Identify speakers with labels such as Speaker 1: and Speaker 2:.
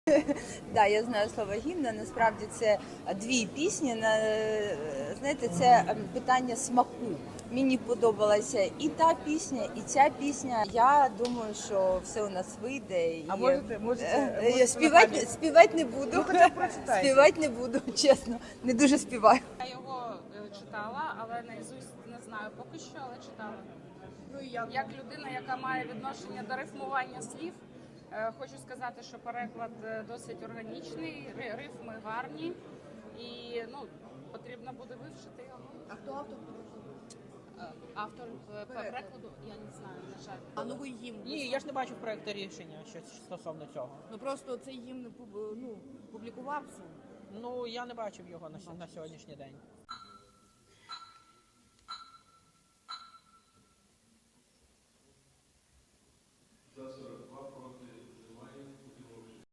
Speaker 1: Да, я знаю слово гімна. Насправді це дві пісні. Знаєте, це питання смаку. Мені подобалася і та пісня, і ця пісня. Я думаю, що все у нас вийде.
Speaker 2: А можете
Speaker 1: Співати не буду.
Speaker 2: Ну, хоча б прочитайте.
Speaker 1: Співати не буду, чесно. Не дуже співаю.
Speaker 3: Я його читала, але наізусть не знаю поки що, але читала.
Speaker 2: Ну, і
Speaker 3: Як людина, яка має відношення до рифмування слів, хочу сказати, що переклад досить органічний, рифми гарні і потрібно буде вивчити його.
Speaker 4: А хто автор?
Speaker 3: Автор перекладу я не знаю, на жаль.
Speaker 4: А новий гімн?
Speaker 5: Ні, я ж не бачив проєкту рішення щось стосовно цього.
Speaker 4: Ну просто цей гімн публікувався.
Speaker 5: Ну, я не бачив його на сьогоднішній день.